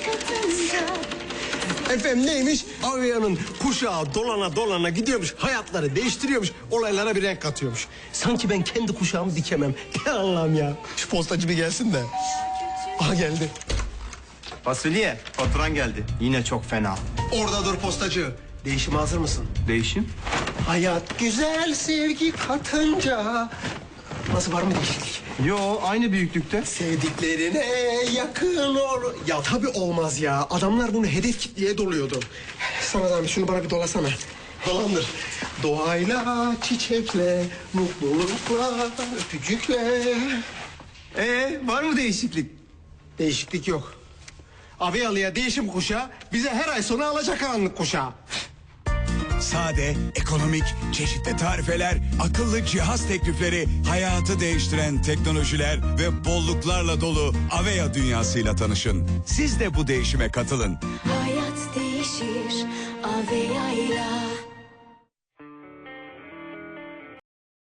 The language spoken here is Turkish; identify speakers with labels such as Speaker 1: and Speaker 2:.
Speaker 1: katınca.
Speaker 2: Efendim neymiş? Avea'nın kuşağı dolana dolana gidiyormuş. Hayatları değiştiriyormuş. Olaylara bir renk katıyormuş. Sanki ben kendi kuşağımı dikemem. Ya Allah'ım ya. Şu postacı bir gelsin de. Aha geldi.
Speaker 3: Fasulye, faturan geldi. Yine çok fena.
Speaker 2: Orada dur postacı. Değişime hazır mısın?
Speaker 3: Değişim?
Speaker 2: Hayat güzel sevgi katınca. Nasıl, var mı değişiklik?
Speaker 3: Yo, aynı büyüklükte.
Speaker 2: Sevdiklerine yakın ol. Ya tabii olmaz ya. Adamlar bunu hedef kitleye doluyordu. Sana da şunu bana bir dolasana. Dolandır. Doğayla, çiçekle, mutlulukla, öpücükle.
Speaker 3: Var mı değişiklik?
Speaker 2: Değişiklik yok. Aveyalı'ya değişim kuşağı, bize her ay sonu alacakaranlık kuşağı.
Speaker 4: Sade, ekonomik, çeşitli tarifeler, akıllı cihaz teklifleri, hayatı değiştiren teknolojiler ve bolluklarla dolu Avea dünyasıyla tanışın. Siz de bu değişime katılın.
Speaker 1: Hayat değişir Avea'yla.